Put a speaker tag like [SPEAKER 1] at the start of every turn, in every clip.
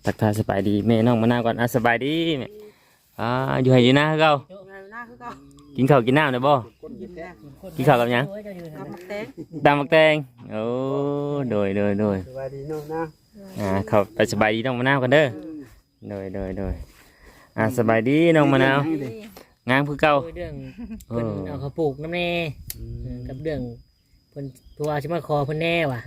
[SPEAKER 1] ทักทายสบายดีแม่น้องมะนาวก่อนสบายดีแม่อยู่ให้อยู่นะเก่ากินข้าวกินน้ำได้บ่กินข้าวกับหยังตำบักแตงโอ้โดย
[SPEAKER 2] สบายดีน้องนะ
[SPEAKER 1] เข้าไปสบายดีน้องมะนาวกันเด้อโดยสบายดีน้องมะนาวงามคือเก่า
[SPEAKER 3] เรื่องเพิ่นเอาเขาปลูกน้ำแน่กับเรื่องเพิ่นตัวชิมาคอเพิ่นแน่ว่ะ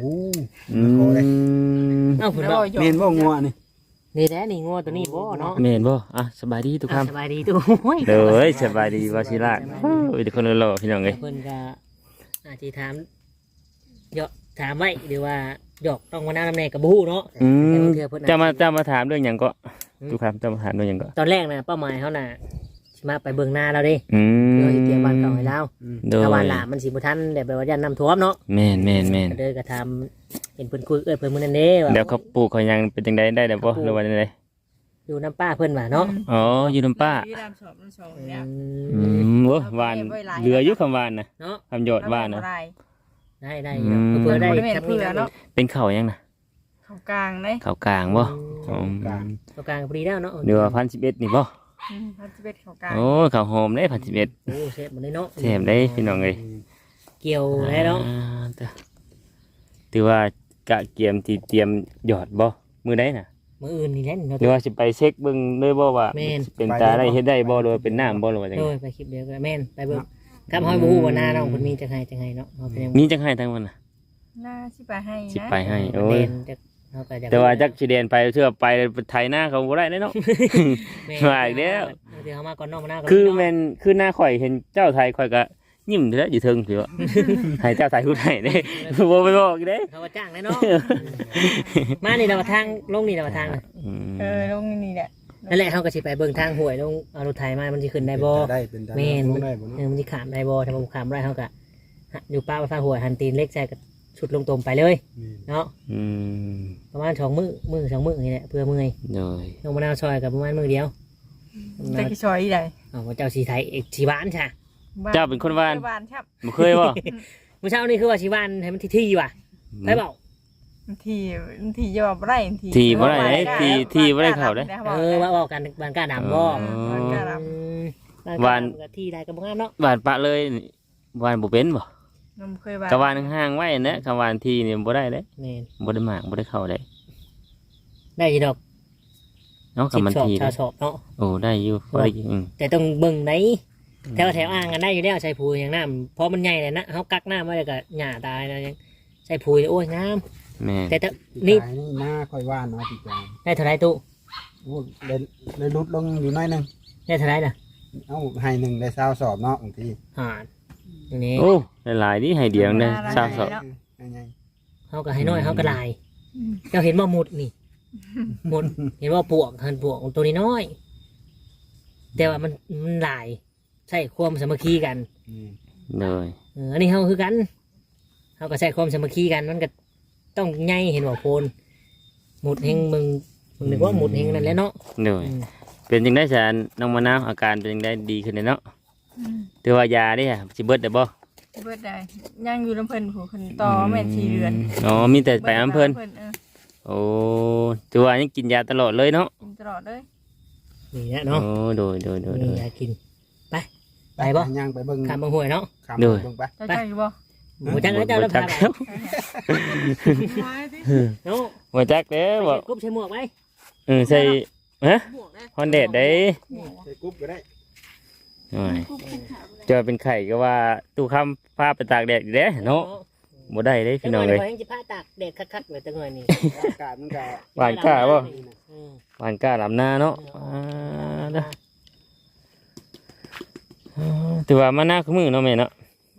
[SPEAKER 3] เพิ่นบอก
[SPEAKER 2] เมนบ่งัว
[SPEAKER 3] นี่แหละนี่งัวตัวนี้บ่เนาะ
[SPEAKER 1] เมนบ่สบายดีทุกคำ
[SPEAKER 3] สบายดีทุก
[SPEAKER 1] เด้อสบายดีวาชิระทุกคนรอพี่น้องเอ้ย
[SPEAKER 3] เพิ่นก็อาจสิถามถามไว้หรือว่าดอกต้องมาน้ำแน่กับบู้เนาะ
[SPEAKER 1] จะมาถามเรื่องหยังก็ทุกคำจะมาถามเรื่องหยังก็
[SPEAKER 3] ตอนแรกนะเป้าหมายเขาน่ะมาไปเบิ่งหน้าเราดิเราสิเตรียมบ้านเก่าให้เราถ้าวันหละมันสิบ่ทันแบบว่ายันน้ำท่วมเนาะ
[SPEAKER 1] แม่น
[SPEAKER 3] เด้อก็ทำเห็นเพิ่นคุยเพิ่นมื้อนั้นเด้ว่า
[SPEAKER 1] เดี๋ยวเขาปลูกเขายังเป็นจังได๋ได้บ่หรือว่าจังได๋
[SPEAKER 3] อยู่น้ำป้าเพิ่นว่าเนาะ
[SPEAKER 1] อยู่น้ำป้าโอ้หวานเหลืออยู่คำหวานนะ
[SPEAKER 3] เนาะ
[SPEAKER 1] คำหยอดหวานนะ
[SPEAKER 3] ได้เพื่อได้ครับนี่เนาะ
[SPEAKER 1] เป็นข้าวยังนะ
[SPEAKER 4] ข้าวกลางเด้
[SPEAKER 1] ข้าวกลางบ่
[SPEAKER 3] ข้าวกลางพอดีแล้วเนาะ
[SPEAKER 1] เดือ1,011นี่บ่
[SPEAKER 4] 1,011ข้าวกลาง
[SPEAKER 1] โอ้ข้าวหอมได้1,011
[SPEAKER 3] โอ้เชฟมันได้เนาะ
[SPEAKER 1] เชฟได้พี่น้องเอ้ย
[SPEAKER 3] เกี่ยวแล้วเนาะ
[SPEAKER 1] ถือว่ากะเกียมที่เตรียมหยอดบ่มื้อใดน่ะ
[SPEAKER 3] มื้ออื่นนี่แหละ
[SPEAKER 1] หรือว่าสิไปเช็คเบิ่งเลยบ่ว่าเป็นตาได้เฮ็ดได้บ่หรือว่าเป็นน้ำบ่หรือว่าจังได๋
[SPEAKER 3] ไปคลิปเดียวก็แม่นไปเบิ่งครับห้อยบ่ฮู้ว่าหน้าน้องเพิ่นมีจังไห้เนาะ
[SPEAKER 1] มีจังไห้ทั้งวันน่ะ
[SPEAKER 4] หน้าสิไปให้นะ
[SPEAKER 1] สิไปให้โอ้ย
[SPEAKER 3] แต่
[SPEAKER 1] ว่าจักสิเดนไปเชื่อไปไถหน้าเขาบ่ได้เนาะว่าอีกแล้ว
[SPEAKER 3] เดี๋ยวเฮามาก่อนน้องมาหน้าก่อน
[SPEAKER 1] คือแม่นคือหน้าข่อยเห็นเจ้าไทยข่อยก็ยิ้มอยู่แล้วอยู่เทิงสิว่าให้เจ้าไทยพูดให้เด้บ่ไปบอกเด้
[SPEAKER 3] เขาว่าจ้างได้เนาะมานี่เราทางลงนี่เราทาง
[SPEAKER 4] ลงนี่แหละ
[SPEAKER 3] นั่นแหละเฮาก็สิไปเบิ่งทางห้วยลงเอารถไถมามันสิขึ้นได้บ่แม่นมันสิข้ามได้บ่ถ้าบ่ข้ามได้เฮาก็อยู่ป้าฟ้าห้วยหันตีนเล็กใส่ก็ชุดลงตมไปเลยเนาะประมาณ2 มื้อ2 มื้อนี่แหละเพื่อมื้อน้องมะนาวซอยกับประมาณมื้อเดียว
[SPEAKER 4] จะกี่ซอยอีได
[SPEAKER 3] ว่าเจ้าสีไทยสีบ้านใช่
[SPEAKER 1] เจ้าเป็นคนบ้าน
[SPEAKER 4] ครับ
[SPEAKER 1] บ่เคยบ่
[SPEAKER 3] เมื่อเช้านี่คือว่าสีบ้านให้มันที่ว่ะไปเปล่า
[SPEAKER 4] ทีจะบอกไร
[SPEAKER 1] ทีบ่ได้ทีบ่ได้เข้าได้
[SPEAKER 3] ว่าบอกกันบ้านกล้าดำบ่บ้านที่ใดก็บ่งามเนาะ
[SPEAKER 1] บ้านปะเลยบ้านบ่เป็นบ่กะวานห่างไว้นะกะวานทีนี่บ่ได้เด้บ่ได้มากบ่ได้เข้าได้
[SPEAKER 3] อยู่ดอก
[SPEAKER 1] เนาะกับมันที
[SPEAKER 3] ชอบเนาะ
[SPEAKER 1] โอ้ได้อยู่
[SPEAKER 3] แต่ต้องเบิ่งไหนแถวอ่างกันได้อยู่แล้วใส่ปุ๋ยอย่างน้ำเพราะมันใหญ่เลยนะเขากักน้ำไว้ก็หญ้าตายนะยังใส่ปุ๋ยโอ้ยงามแต่
[SPEAKER 2] นี่หน้าค่อยว่านเนาะพี่จาง
[SPEAKER 3] ได้เท่าไรตู้
[SPEAKER 2] โอ้เลยลดลงอยู่น้อยนึง
[SPEAKER 3] ได้เท่าไรน่ะ
[SPEAKER 2] ให้หนึ่งได้20 สอบเนาะบางที
[SPEAKER 3] นี่
[SPEAKER 1] โอ้หลายนี่ให้เดียวได้20 สอบ
[SPEAKER 3] เขาก็ให้น้อยเขาก็ลายเจ้าเห็นว่าหมดนี่หมดเห็นว่าปวกตัวนี้น้อยแต่ว่ามันหลายใช่ความสามัคคีกัน
[SPEAKER 1] เลย
[SPEAKER 3] อันนี้เขาคือกันเขาก็ใช้ความสามัคคีกันมันก็ต้องใหญ่เห็นว่าโพนหมดเฮงมึงนึกว่าหมดเฮงนั่นแหละเนาะ
[SPEAKER 1] เลยเป็นจังได้แสนน้องมะนาวอาการเป็นจังได้ดีขึ้นเลยเนาะแต่ว่ายาดิสิเบิดได้บ่
[SPEAKER 4] เบิดได้ยังอยู่ลำเพิ่นผู้คนต่อแม่4 เดือน
[SPEAKER 1] มีแต่ไปอำเพิ่นโอ้ถือว่ายังกินยาตลอดเลยเนาะ
[SPEAKER 4] กินตลอดเลย
[SPEAKER 3] นี่แหละเนาะ
[SPEAKER 1] โดย
[SPEAKER 3] ยากินไปบ่
[SPEAKER 2] ย่างไปเบิ่ง
[SPEAKER 3] ข้ามบ่ห้วยเนาะ
[SPEAKER 1] โดย
[SPEAKER 4] ไปบ่
[SPEAKER 3] บ่จักแล้วเจ้าแล้วพาไป
[SPEAKER 1] เนาะบ่จักเด้อบ่
[SPEAKER 3] กุ๊บใส่หมวกไว้
[SPEAKER 1] ใส่ฮะฮอนเดดได้
[SPEAKER 2] ใส่กุ๊บก็ได้
[SPEAKER 1] เจอเป็นไข่ก็ว่าตู้ค้ำผ้าไปตากแดดอยู่เด้เนาะบ่ได้เด้พี่น้องเลย
[SPEAKER 3] ยังจะผ้าตากแดดคักๆเลยจังหน่อยนี่
[SPEAKER 2] อากาศมันก็
[SPEAKER 1] หวานกล้าบ่หวานกล้าลำหน้าเนาะถือว่ามาหน้าขมือเนาะแม่เนาะ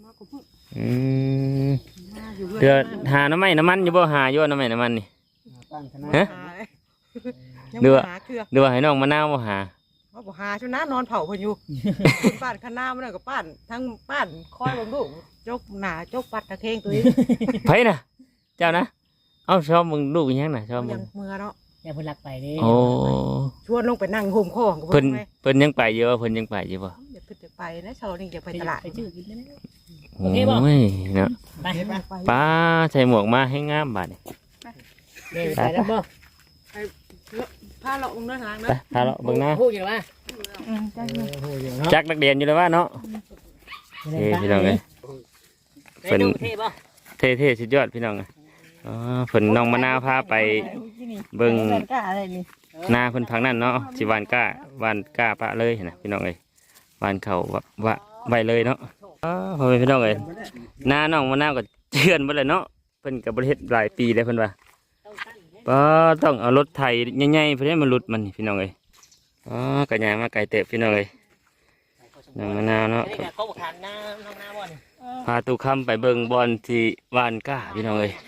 [SPEAKER 1] เดือหาน้ำมันอยู่บ่หาอยู่น้ำมันนี่ฮะเดือให้น้องมะนาวบ่หา
[SPEAKER 4] บ่หาชุนะนอนเผาเพิ่นอยู่ป้านข้างหน้ามันก็ป้านทั้งป้านคอยเบิ่งลูกจกหน้าจกปัดตะเคงตัวนี้
[SPEAKER 1] ไผน่ะเจ้านะเอ้าชอบมึงลูกยังน่ะชอบมึง
[SPEAKER 4] เมื่อเนาะ
[SPEAKER 3] อย่าเพิ่นรักไปเด้
[SPEAKER 1] โอ้
[SPEAKER 4] ชวนลงไปนั่งห่มคอ
[SPEAKER 1] เพิ่นยังไปอยู่เพิ่นยังไปอยู่บ่
[SPEAKER 4] อย่าเพิ่นจะไปนะเช้านี้จะไปตลาด
[SPEAKER 3] ไปซื้อกินแล้ว
[SPEAKER 1] โอเคบ่เนาะป้าใส่หมวกมาให้งามบาดนี่
[SPEAKER 3] ไปแล้วบ่
[SPEAKER 4] พาเราลงเนื้อหาง
[SPEAKER 1] ไป
[SPEAKER 4] นะ
[SPEAKER 1] พาเราเบิ่งหน้า
[SPEAKER 3] พูดอยู่ว่า
[SPEAKER 4] จังเลย
[SPEAKER 3] พูดอยู่เนาะ
[SPEAKER 1] จักนักเรียนอยู่เลยว่าเนาะเท่พี่น้องเอ้ย
[SPEAKER 3] เพิ่นเท่บ่
[SPEAKER 1] เท่สุดยอดพี่น้องเอ้ยอ๋อเพิ่นน้องมะนาวพาไปเบิ่ง
[SPEAKER 4] กล้าอะไรนี่
[SPEAKER 1] หน้าเพิ่นพังนั่นเนาะสิหวานกล้าหวานกล้าปะเลยนะพี่น้องเอ้ยหวานเข้าว่าไว้เลยเนาะอ๋อพ่อแม่พี่น้องเอ้ยหน้าน้องมะนาวก็เชื่อนเบิดเลยเนาะเพิ่นก็บ่ได้เฮ็ดหลายปีแล้วเพิ่นว่าก็ต้องเอารถไถใหญ่ๆเพิ่นให้มันหลุดมันนี่พี่น้องเอ้ยอ๋อกระยางมาไกลเตะพี่น้องเอ้ยน้องมะนาวเนาะ
[SPEAKER 3] นี่ก็เขาบอกทานน้องน้าบ่นี่
[SPEAKER 1] พาตูคำไปเบิ่งบอลที่วานก้าพี่น้องเอ้ย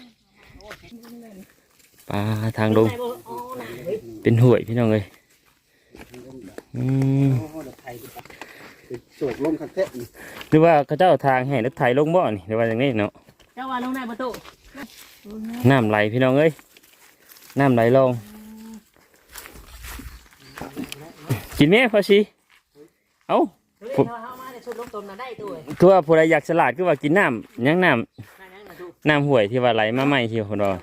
[SPEAKER 1] ปลาทางลงเป็นห่วยพี่น้องเอ้ยอืม
[SPEAKER 2] โศกลมคักแท้
[SPEAKER 1] หรือว่าเขาเจ้าทางให้รถไถลงบ่อนี่หรือว่าอย่างนี้เนาะ
[SPEAKER 3] เจ้าว่าลงได้ประตู
[SPEAKER 1] น้ำไหลพี่น้องเอ้ยน้ำไหลลงกินไหมพอชีเอ้า
[SPEAKER 3] เฮ้ยเฮามาได้ชุดลงตมน่ะได้ตู้เอ้ย
[SPEAKER 1] คือว่าผู้ใดอยากฉลาดคือว่ากินน้ำยังน้
[SPEAKER 3] นั่นน่ะตู้
[SPEAKER 1] ำน้ำห่วยที่ว่าไหลมาใหม่ที่คนว่า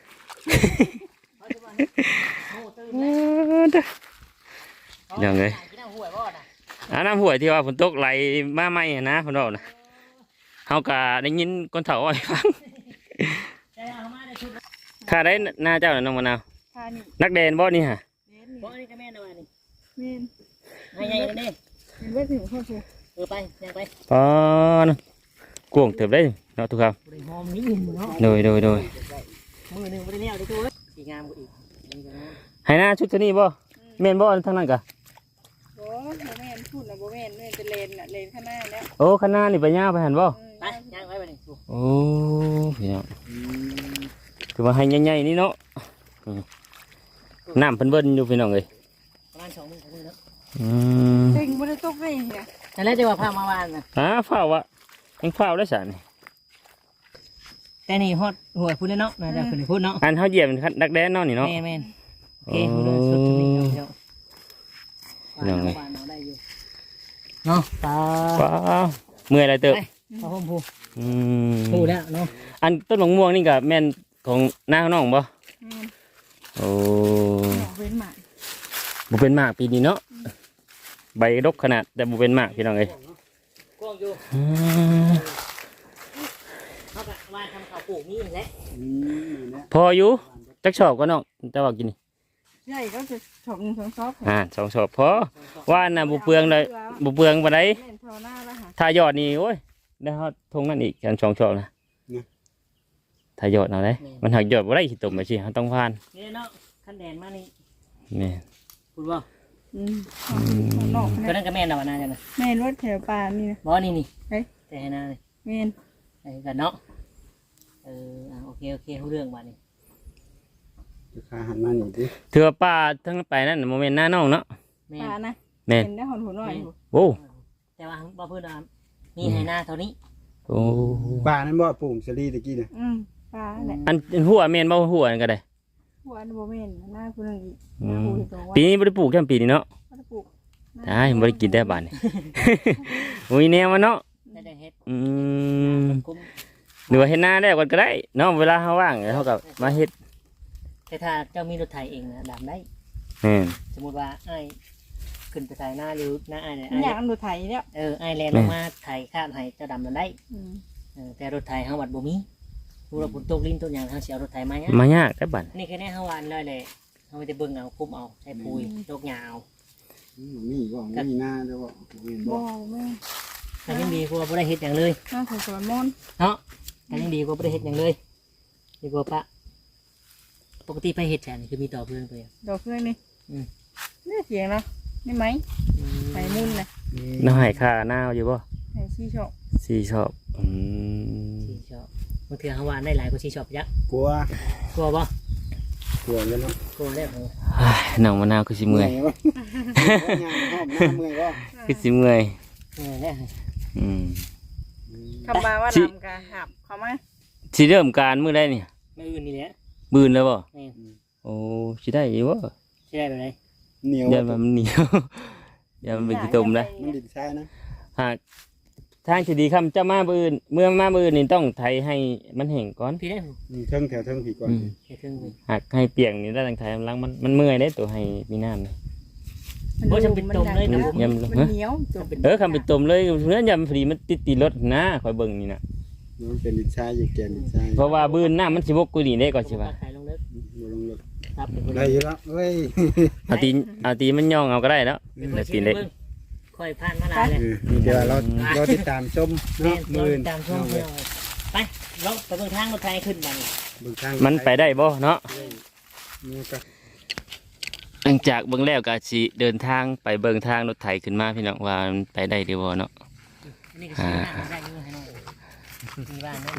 [SPEAKER 1] อย่างเลย
[SPEAKER 3] กินน้ำห้วยบ่น่ะ
[SPEAKER 1] น้ำห่วยที่ว่าฝนตกไหลมาใหม่นะคนว่านะเฮาก็ได้ยินคนเฒ่าอ้อยฟัง
[SPEAKER 3] เจ้ามาได้ชุด
[SPEAKER 1] ข้าได้หน้าเจ้าน่ะน้องมะนาว
[SPEAKER 4] พานี่
[SPEAKER 1] นักเดนบ่นี่ฮะ
[SPEAKER 3] บ่นี่ก็แม่นว่านี่
[SPEAKER 4] เมน
[SPEAKER 3] ให้ใหญ่กันนี่
[SPEAKER 4] เห็นว่าถึงข้อสู
[SPEAKER 3] ไปยังไป
[SPEAKER 1] อ๋อนะกวงเติบได้เนาะทุกครับ
[SPEAKER 3] บ่ได้หอมนี่เนาะ
[SPEAKER 1] โดย
[SPEAKER 3] มือหนึงบ่ได้แล้วได้ตู้เอ้ยสีงามกว่าอีก
[SPEAKER 1] ให้หน้าชุดตัวนี้บ่แม่นบ่ทางนั้นกะ
[SPEAKER 4] โอ้โบแมนพูดนะโบแมนเนี่ยจะเลนน่ะเลนข้างหน้าแล้ว
[SPEAKER 1] โอ้ข้างหน้านี่ไปย่างไปหันบ่
[SPEAKER 3] ไปย่างไว้บัดนี้ตู้
[SPEAKER 1] โอ้พี่น้องคือว่าให้ใหญ่ๆนี่เนาะน้ำเพิ่นเบิ่นอยู่พี่น้องเอ้ย
[SPEAKER 3] ประมาณ2 มื้อเนาะ
[SPEAKER 1] อืม
[SPEAKER 4] เต็งไม่ได้ตกเลยเนี่ย
[SPEAKER 3] นั่นแหละจะว่าพามาวานน่ะ
[SPEAKER 1] ฝ้าวะยังฝ้าวได้สารนี่
[SPEAKER 3] แต่นี่ฮอดหัวพูดเลยเนาะน่าจะขึ้นพูดเนาะ
[SPEAKER 1] อันเฮาเหยียบเป็นนักแดนเนาะนี่เนาะ
[SPEAKER 3] แม่นโอเคพูดเลยสุดที่นี่เนาะ
[SPEAKER 1] ยังไง
[SPEAKER 3] ได้อยู่เนาะปลา
[SPEAKER 1] ว้าวเมื่อยอะไรเติบ
[SPEAKER 3] ปลาห่มพู
[SPEAKER 1] อืม
[SPEAKER 3] พูแล้วเนาะ
[SPEAKER 1] อันต้นมะม่วงนี่ก็แม่นของหน้าน้องบ่โอ้
[SPEAKER 4] เว้นหมา
[SPEAKER 1] บ่เป็นหมากปีนี้เนาะใบดกขนาดแต่บ่เป็นหมากพี่น้องเอ้ย
[SPEAKER 3] กว้างอยู่
[SPEAKER 1] อืม
[SPEAKER 3] เขาแบบว่าทำข้าวปลูกนี่แหละ
[SPEAKER 1] พออยู่จักชอบก็น้องแต่ว่ากินนี่
[SPEAKER 4] ใหญ่ก็จะชมสองซอก
[SPEAKER 1] สองชอบพอว่าน่ะบ่เปลืองเลยบ่เปลืองปานใด
[SPEAKER 4] เล่นพอหน้าแล้วค่ะ
[SPEAKER 1] ถ้ายอดนี่โอ้ยได้ฮอดทงนั่นอีกกัน2ชอบนะถ้ายอดเอาได้มันหักยอดบ่ได้สิตมไปสิเฮาต้องผ่าน
[SPEAKER 3] นี่เนาะขั้นแดนมานี่
[SPEAKER 1] นี่
[SPEAKER 3] พูดว่า
[SPEAKER 4] นอก
[SPEAKER 3] ก็นั่นก็แม่นเอาหน้าจังนะ
[SPEAKER 4] แม่รถแถวป่านี่นะ
[SPEAKER 3] บ่นี่นี่
[SPEAKER 4] เฮ้ย
[SPEAKER 3] แต่ให้หน้าเลย
[SPEAKER 4] แม่น
[SPEAKER 3] ไอ้กันเนาะโอเครู้เรื่องบ้านี้
[SPEAKER 2] ขาหันมาหนิดิ
[SPEAKER 1] ถือว่าป้าทั้งไปนั่นโมเมนต์หน้าน้องเนาะ
[SPEAKER 3] แม่
[SPEAKER 4] ป่านะ
[SPEAKER 1] แม่น
[SPEAKER 4] เห็นได้หอนหัวหน่อย
[SPEAKER 1] โอ้
[SPEAKER 3] แต่ว่าบ่เพิ่นว่ามีให้หน้าเท่านี้
[SPEAKER 1] โอ้
[SPEAKER 2] ป่านั้นบ่ปลูกสลีตะกี้น่ะ
[SPEAKER 4] ป่าแหละ
[SPEAKER 1] อันหัวแม่นบ่หัวอันก็ได้
[SPEAKER 4] หัวโบแมนหน้าคุณนึงอีก
[SPEAKER 1] อื
[SPEAKER 4] หน้าม คุณตรงว่า
[SPEAKER 1] ปีนี้บ่ได้ปลูกแค่ปีนี้เนาะ
[SPEAKER 4] ก็ปลูก
[SPEAKER 1] ได้บ่ได้กินได้บาดนี่ อุ้ยแนวมาเนาะ
[SPEAKER 3] ได้เฮ็ด
[SPEAKER 1] อืม
[SPEAKER 3] คุ้ม
[SPEAKER 1] หรือว่าเฮ็ดหน้าแล้วก็ได้เนาะเวลาเฮาว่างเฮาก็มาเฮ็ด
[SPEAKER 3] แต่ถ้าเจ้ามีรถไถเองนะดำได้
[SPEAKER 1] แม่น
[SPEAKER 3] สมมุติว่าไอ้ขึ้นไปไถหน้าหรือหน้าไอ้เนี่ย
[SPEAKER 4] อยากดูไทยเนี่ย
[SPEAKER 3] ไอ้แลนลงมาไถข้ามไถเจ้าดำมันได้แต่รถไถเฮาวัดบ่มีผู้เราฝนตกลิ้นต้นอย่างเฮาสิเอารถไถมาเนี่ย
[SPEAKER 1] มายากได้บาด
[SPEAKER 3] นี่แค่นี้เฮาวานเลยเลยเฮาไปจะเบิ่งเอาคุมเอาใช้ปุยยกหญ้าเอา
[SPEAKER 2] มีบ่มีหน้าเด้อบ่เห็น
[SPEAKER 4] บ่
[SPEAKER 2] บ่
[SPEAKER 4] แม่
[SPEAKER 3] ก็ยังดีกว่าบ่ได้เฮ็ดหยังเลย
[SPEAKER 4] หน้าสวยมอน
[SPEAKER 3] เนาะก็ยังดีกว่าบ่ได้เฮ็ดหยังเลยดีกว่าปะปกติไปเฮ็ดแทนคือมีต่อเพื่อนไปอ่ะ
[SPEAKER 4] ดอกเพื่อนนี่นี่เสียงเนาะนี่ไหมไหมมุ่นนะ
[SPEAKER 1] น้องให้ค่าหน้าอยู่บ่
[SPEAKER 4] ไหมชี้ชอบ
[SPEAKER 1] สิชอบอืม
[SPEAKER 3] ที่ชอบบางเทื่อเฮาวานได้หลายกว่าที่ชอบยัก
[SPEAKER 2] กลัว
[SPEAKER 3] กลัวบ่
[SPEAKER 2] กลัวกันเนาะ
[SPEAKER 3] กลัวได้บ่
[SPEAKER 1] น้องมะนาวคือสิเมื่อย
[SPEAKER 2] บ่ย่างหอมหน้าเมื่อยบ่
[SPEAKER 1] คือสิเมื่อย
[SPEAKER 3] ได้
[SPEAKER 1] อืม
[SPEAKER 4] คำมาว่า
[SPEAKER 1] สิ
[SPEAKER 4] นำกะหับเขาไหม
[SPEAKER 1] สิเริ่มการมื้อใดนี่
[SPEAKER 3] มื้ออื่นนี่แหละ
[SPEAKER 1] มื้อแล้วบ่
[SPEAKER 3] แม่น
[SPEAKER 1] โอ้สิได้อยู่บ่
[SPEAKER 3] สิได้แบบไหน
[SPEAKER 2] เหนียว
[SPEAKER 1] ยันมันเหนียวยันมันเป็นขี้ตมได้
[SPEAKER 2] มันดินทรายนะ
[SPEAKER 1] หากทางที่ดีคำเจ้ามาบืนเมื่อมาบืนนี่ต้องไถให้มันแห้งก่อน
[SPEAKER 3] พี่ได้
[SPEAKER 2] เทิงแถวเทิงผีก่อน
[SPEAKER 3] เฮ็ดถึง
[SPEAKER 1] หักให้เปียกนี่ได้ทางไถมันล้างมันเมื่อยได้ตัวให้มีน้ำนี่
[SPEAKER 3] บ่จำเป็นตรงเลยนะ
[SPEAKER 1] ยำ
[SPEAKER 4] มันเหนียวจน
[SPEAKER 1] คำเป็นต้มเลยเนื้อยำพอดีมันติดรถนะคอยเบิ่งนี่นะ
[SPEAKER 2] มันเป็นดินทรายอยู่แกนดินทราย
[SPEAKER 1] เพราะว่าบืนน้ำมันสิบกกูนี่ได้ก่อนใช่ป่ะ
[SPEAKER 3] ขายลงเลิก
[SPEAKER 2] บ่ลงรถ
[SPEAKER 3] ครับ
[SPEAKER 2] ได้อยู่แล้วเว้ย
[SPEAKER 1] เอาตีมันย่องเอาก็ได้แล้วแล้วตีเล็ก
[SPEAKER 3] ค่อยผ่านมาหลายเลย
[SPEAKER 2] เดี๋ยวเราติดตามชม
[SPEAKER 3] แม่
[SPEAKER 2] เนาะ
[SPEAKER 3] น
[SPEAKER 2] มื้อ
[SPEAKER 3] ตามช่วงเดียวไปลงไปเบิ่งทางรถไฟขึ้นมานี่
[SPEAKER 2] เบิ่งทาง
[SPEAKER 1] มันไปได้บ่เนาะ
[SPEAKER 2] นี่ก็
[SPEAKER 1] หลังจากเบิ่งแล้วก็สิเดินทางไปเบิ่งทางรถไถขึ้นมาพี่น้องว่ามันไปได้หรือบ่เนาะ
[SPEAKER 3] อันนี้ก็ซื้อหน้าได้อยู่ให้น้องมีบ้านเนาะ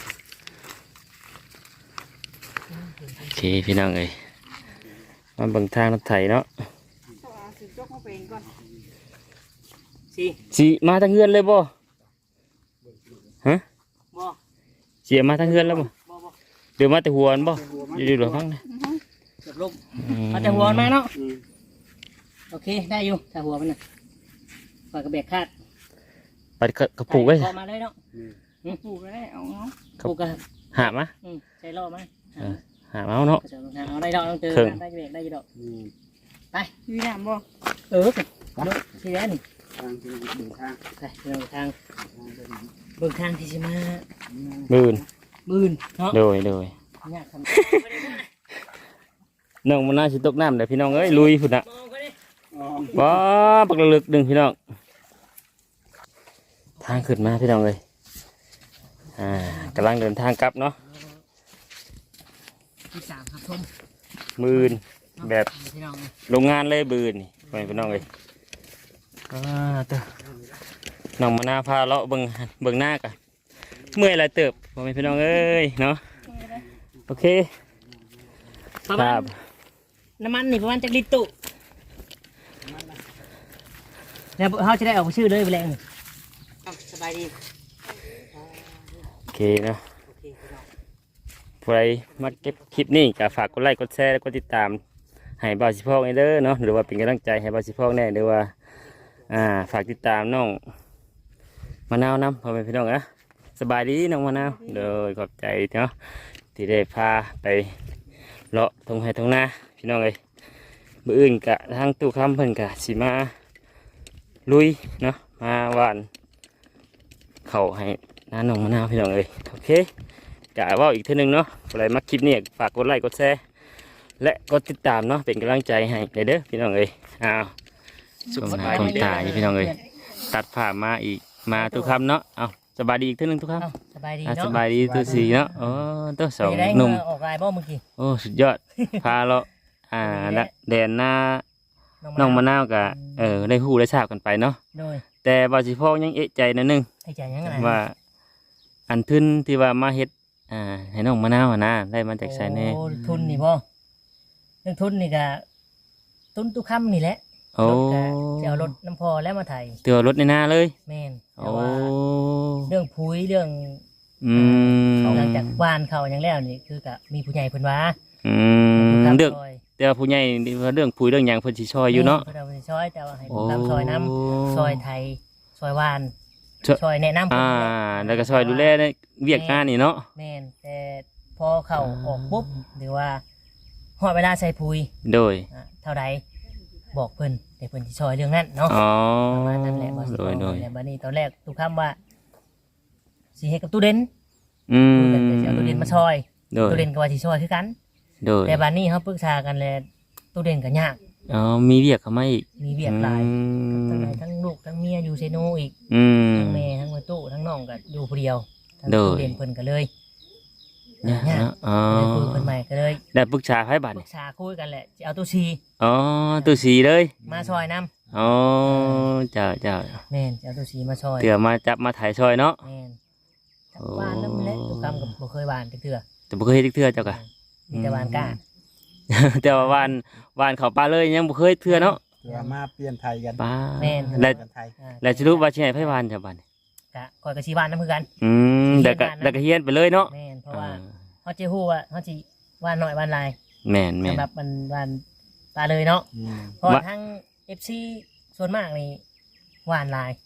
[SPEAKER 1] โอเคพี่น้องเอ้ยมาเบิ่งทางรถไถเนาะ
[SPEAKER 4] สิจกมาเป็นก่อน
[SPEAKER 3] สิ
[SPEAKER 1] สิมาทางเฮือนเลยบ่ฮะ
[SPEAKER 3] บ่
[SPEAKER 1] สิมาทางเฮือนแล้วบ่
[SPEAKER 3] บ่
[SPEAKER 1] เดี๋ยวมาแต่หัวมันบ่อยู่ๆหรอฟังนะ
[SPEAKER 3] เกือบลงเอาแต่หัวมาเนาะโอเคได้อยู่แต่หัวมันน่ะปล่อยกระเบกคาด
[SPEAKER 1] ปัดกระปุกไว้
[SPEAKER 3] พอมาเลยเนาะ
[SPEAKER 4] ปลูกได้เอาเนาะ
[SPEAKER 3] ปลูกกระ
[SPEAKER 1] หามา
[SPEAKER 3] ใช้ล่อมา
[SPEAKER 1] หามาเอาเนาะ
[SPEAKER 3] กระเจ้าลงทางเอาได้ดอกต้องเจอ
[SPEAKER 1] ครึ่ง
[SPEAKER 3] ได้กระเบกได้อยู่ดอก
[SPEAKER 4] มีน้ำบ่
[SPEAKER 3] เออที่แล้วนี่
[SPEAKER 2] ทางที่เบิ่งทาง
[SPEAKER 3] ไปเดินทางเบิ่งทางที่สิมา
[SPEAKER 1] บืน
[SPEAKER 3] บืนเนาะ
[SPEAKER 1] โดย
[SPEAKER 3] ยากทำ
[SPEAKER 1] น้องมันน่าสิตกน้ำเดี๋ยวพี่น้องเอ้ยลุยพุ่นน่ะ
[SPEAKER 3] มองก็ได้
[SPEAKER 2] อ๋อ
[SPEAKER 1] ว้าปักระลึกดึงพี่น้องทางขึ้นมาพี่น้องเลยกำลังเดินทางกลับเนาะ
[SPEAKER 3] ที่สามครับชม
[SPEAKER 1] บืนแบบ
[SPEAKER 3] พี่น้อง
[SPEAKER 1] โรงงานเลยบืนนี่พี่น้องเลยเต้อน้องมานาพาเลาะเบิ่งหน้ากันเมื่อยหลายเติบพ่อแม่พี่น้องเอ้ยเนาะโอเค
[SPEAKER 3] ประ
[SPEAKER 1] ค
[SPEAKER 3] มา
[SPEAKER 1] รั
[SPEAKER 3] ณ
[SPEAKER 1] บ
[SPEAKER 3] น้ำมันนี่ประมาณจักลิตรตุแล้วเขาจะได้ออกชื่อเลยไปแรงสบายดี
[SPEAKER 1] โอเคเนาะใครมาเก็บคลิปนี้ก็ฝากกดไลค์กดแชร์และกดติดตามให้บ่าวสิพอกเด้อเนาะหรือว่าเป็นกำลังใจให้บ่าวสิพอกแน่หรือว่าฝากติดตามน้องมะนาวนำพ่อแม่พี่น้องนะสบายดีน้องมะนาวโดยขอบใจเนาะที่ได้พาไปเลาะทงไห้ทงนาพี่น้องเลยมื้ออื่นกะทางตู้คำเพิ่นกะสิมาลุยเนาะมาหวานเข้าให้น้าน้องมะนาวพี่น้องเลยโอเคกะว่าอีกเท่านึงเนาะอะไรมาคลิปนี้ฝากกดไลค์กดแชร์และกดติดตามเนาะเป็นกำลังใจให้เด้อพี่น้องเลยสุขสบายดีตายพี่น้องเลยตัดผ่ามาอีกมาทุกคำเนาะเอาสบายดีอีกเท่านึงทุกคำ
[SPEAKER 3] สบายดี
[SPEAKER 1] ส
[SPEAKER 3] เนาะ
[SPEAKER 1] บายดีตัวสีเนาะโอ้ตัวสอง
[SPEAKER 3] ได้
[SPEAKER 1] หนุ่ม
[SPEAKER 3] ออกลายบ่เมื่อกี้
[SPEAKER 1] โอ้สุดยอด พาเราแดนหน้าน้องมะนาวกะได้ฮู้ได้ทราบกันไปเนาะ
[SPEAKER 3] โดย
[SPEAKER 1] แต่บาสิพ่อยังเอะใจนิดนึง
[SPEAKER 3] ให้ใจยังไง
[SPEAKER 1] ว่าอันทุนที่ว่ามาเฮ็ดให้น้องมะนาวนะได้มาจากไสแน่
[SPEAKER 3] โอ้ทุนนี่บ่เรื่องทุนนี่ก็ทุนตุกคำนี่แหละ
[SPEAKER 1] โอ้
[SPEAKER 3] รถก็จะเอารถน้ำพอแล้วมาไถ
[SPEAKER 1] เตือรถในหน้าเลย
[SPEAKER 3] แม่นแต่
[SPEAKER 1] โอ้
[SPEAKER 3] ว่าเรื่องปุ๋ยเรื่อง
[SPEAKER 1] อืม
[SPEAKER 3] หลังจากบ้านเขาอย่างแล้วนี่คือก็มีผู้ใหญ่เพิ่นว่า
[SPEAKER 1] อืมเรื่องแต่ว่าผู้ใหญ่เรื่องปุ๋ยเรื่องหยังเพิ่นสิช่วยอยู่เนาะ
[SPEAKER 3] เพิ่นเอาไปช่วยแต่ว่าให้
[SPEAKER 1] โอ้
[SPEAKER 3] ตามซอยน้ำซอยไทยซอยวาน
[SPEAKER 1] ช่วย
[SPEAKER 3] ซอยแนะนำเพิ่น
[SPEAKER 1] แล้วก็ช่วยดูแลในเวียกงานนี่เนาะ
[SPEAKER 3] แม่นแต่พอเข้าออกปุ๊บหรือว่าฮอดเวลาใส่ปุ๋ย
[SPEAKER 1] โดย
[SPEAKER 3] เท่าใดบอกเพิ่นแต่เพิ่นสิช่วยเรื่องนั้นเนาะ
[SPEAKER 1] อ๋อ
[SPEAKER 3] ประมาณนั้นแหละบ่สิ
[SPEAKER 1] โดย
[SPEAKER 3] แต่บัดนี้ตอนแรกทุกคำว่าสิเฮ็ดกับตู้เด่น
[SPEAKER 1] อืม
[SPEAKER 3] ตู้เด่นก็สิเอาตู้เด่นมาช่วย
[SPEAKER 1] โดย
[SPEAKER 3] ตู้เด่นก็ว่าสิช่วยคือกัน
[SPEAKER 1] โดย
[SPEAKER 3] แต่บัดนี้เฮาปรึกษากันแล้วตู้เด่นก็ยาก
[SPEAKER 1] อ๋อมีเวียกเข้ามาอีก
[SPEAKER 3] มีเวียกหลาย
[SPEAKER 1] อื
[SPEAKER 3] ทั้ง
[SPEAKER 1] ม
[SPEAKER 3] ไหนทั้งลูกทั้งเมียอยู่เซโนอีก
[SPEAKER 1] อืม
[SPEAKER 3] ทั้งแม่ทั้งแม่ตู้ทั้งน้องก็อยู่ผู้เดียวทั้ง
[SPEAKER 1] โดย
[SPEAKER 3] ตู้เด่นเพิ่นก็เลย
[SPEAKER 1] เนี่ย
[SPEAKER 3] ยาก
[SPEAKER 1] เนาะอ๋อ
[SPEAKER 3] เลยคุยเพิ่นใหม่ก็เลย
[SPEAKER 1] ได้ปรึกษาไผบัด
[SPEAKER 3] ปรึ
[SPEAKER 1] นี่
[SPEAKER 3] กษาคุยกันแหละจะเอาตู้ชี
[SPEAKER 1] อ๋อตู้สีเลย
[SPEAKER 3] มาช่วยนํ
[SPEAKER 1] อ๋อเจ้าเจ้า
[SPEAKER 3] แม่นจะเอาตู้ชีมาช่วย
[SPEAKER 1] เตือมาจับมาถ่ายซอยเนาะ
[SPEAKER 3] แม่นจับบ้านนำแหละทุกคำก็บ่เคยบ้านจักเทื่อ
[SPEAKER 1] แต่บ่เคยเฮ็ดเทื่อเจ้ากะ
[SPEAKER 3] มีแต่บ้านกล้า
[SPEAKER 1] แต่ว่าวานเขาปลาเลยยังบ่เคยเทื่อเนาะ
[SPEAKER 2] เดี๋ยวมาเปลี่ยนไทยกัน
[SPEAKER 1] ปลา
[SPEAKER 3] แม่น
[SPEAKER 1] และ
[SPEAKER 2] กันไทย
[SPEAKER 1] และสิรู้ว่าสิให้ไผวานจ้ะบัดนี้
[SPEAKER 3] กะคอยกับชีบ้านน้ำคือกัน
[SPEAKER 1] อืมแล้วก็เฮียนไปเลยเนาะ
[SPEAKER 3] แม่นเพราะว่าเขาจะฮู้ว่าเขาจะว่านหน่อยว่านลาย
[SPEAKER 1] แม่นแม่น
[SPEAKER 3] สำหรับมันว่านปลาเลยเนาะเพราะว่าทั้ง FC ส่วนมากนี่ว่านลาย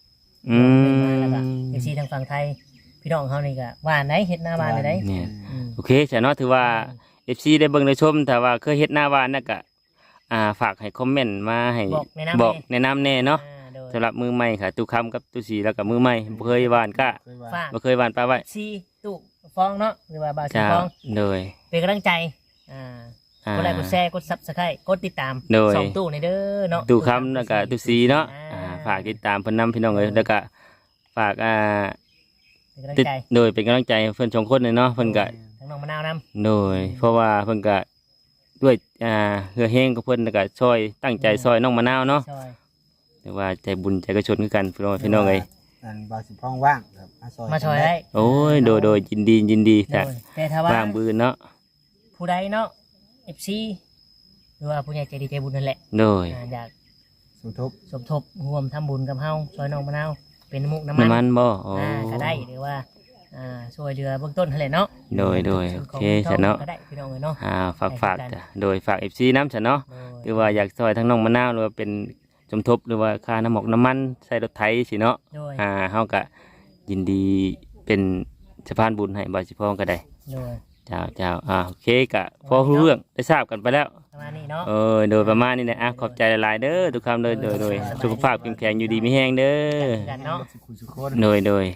[SPEAKER 1] อืม
[SPEAKER 3] มาแล้วก็เอฟซีทางฝั่งไทยพี่น้องเขานี่ก็หวานได้เฮ็ดหน้าบ้านได้
[SPEAKER 1] เนี่ย
[SPEAKER 3] อืม
[SPEAKER 1] โอเคจ้ะเนาะถือว่า FC ได้เบิ่งได้ชมแต่ว่าเคยเฮ็ดหน้าบ้านน่ะก็ฝากให้คอมเมนต์มาให้
[SPEAKER 3] บอกแนะนำ
[SPEAKER 1] แนะนำแน่เนาะ
[SPEAKER 3] โดย
[SPEAKER 1] สำหรับมือใหม่ค่ะตู้คำกับตู้สีแล้วก็มือใหม่บ่เคยหวานก็
[SPEAKER 2] เคยว่า
[SPEAKER 3] ฝาก
[SPEAKER 1] บ่เคยหวานปลาไว้
[SPEAKER 3] ซีตุฟองเนาะหรือว่าบาวซี
[SPEAKER 1] จ้า
[SPEAKER 3] ฟอง
[SPEAKER 1] โดย
[SPEAKER 3] เป็นกำลังใจอ่า
[SPEAKER 1] อ่าก
[SPEAKER 3] ดไลค์กดแชร์กดซับสไครต์กดติดตาม
[SPEAKER 1] โดย
[SPEAKER 3] สองตู้ในเด้อเนาะ
[SPEAKER 1] ตู้คำแล้วก็ตู้สีเนาะ
[SPEAKER 3] อ่า
[SPEAKER 1] ฝากติดตามเพิ่นนำพี่น้องเอ้ยแล้วก็ฝาก
[SPEAKER 3] เป็นกำลัง
[SPEAKER 1] ติด
[SPEAKER 3] ใจ
[SPEAKER 1] โดยเป็นกำลังใจให้เพิ่นสองคนเลยเนาะเพิ่นก็
[SPEAKER 3] ทั้งน้องมะนาวนํ
[SPEAKER 1] โดยเพราะว่าเพิ่นก็ด้วยเฮือแห้งกับเพิ่นแล้วก็ช่วยตั้งใจซอยน้องมะนาวเนาะ
[SPEAKER 3] ซอย
[SPEAKER 1] แต่ว่าใจบุญใจกระชนคือกันพี่น้องเอ้ย
[SPEAKER 2] อันบาสิพ้องว่างครับ
[SPEAKER 3] มาซอยได้
[SPEAKER 1] โอ้ยโดยยินดี
[SPEAKER 3] โด
[SPEAKER 1] แต่
[SPEAKER 3] ยแต่ถ้าว่า
[SPEAKER 1] บางบืนเนาะ
[SPEAKER 3] ผู้ใดเนาะ FC หรือว่าผู้ใหญ่ใจดีใจบุญนั่นแหละ
[SPEAKER 1] โดย
[SPEAKER 3] อยาก
[SPEAKER 2] สมทบ
[SPEAKER 3] สมทบร่วมทำบุญกับเฮาซอยน้องมะนาวเป็นน้ำมุกน้ำมัน
[SPEAKER 1] น้ำมันบ่โอ้
[SPEAKER 3] ก็ได้หรือว่าช่วยเหลือเบื้องต้นนั่นแหละเนาะ
[SPEAKER 1] โดยโอ
[SPEAKER 3] ซื้
[SPEAKER 1] เค
[SPEAKER 3] ของ
[SPEAKER 1] จ้ะเนาะ
[SPEAKER 3] ก็ได้พี่น้องเลยเนาะ
[SPEAKER 1] ฝากจ้ะโดยฝาก FC น้ำจ้ะเนาะ
[SPEAKER 3] โดย
[SPEAKER 1] หรือว่าอยากซอยทั้งน้องมะนาวหรือว่าเป็นสมทบหรือว่าค่าน้ำหมกน้ำมันใส่รถไถสิเนาะ
[SPEAKER 3] โดย
[SPEAKER 1] เฮาก็ยินดีเป็นสะพานบุญให้บ่สิพ้องก็ได้
[SPEAKER 3] โดย
[SPEAKER 1] เจ้าโอเคก็พอรู้เรื่องได้ทราบกันไปแล้ว
[SPEAKER 3] ประมาณนี้เนาะ
[SPEAKER 1] โดยประมาณนี้นะขอบใจหลายๆเด้อทุกคำเลยโดยสุขภาพเข้มแข็งอยู่ดีมีแห้งเด้อ
[SPEAKER 3] กันเนาะ
[SPEAKER 2] สุขุสุขคน
[SPEAKER 1] โดย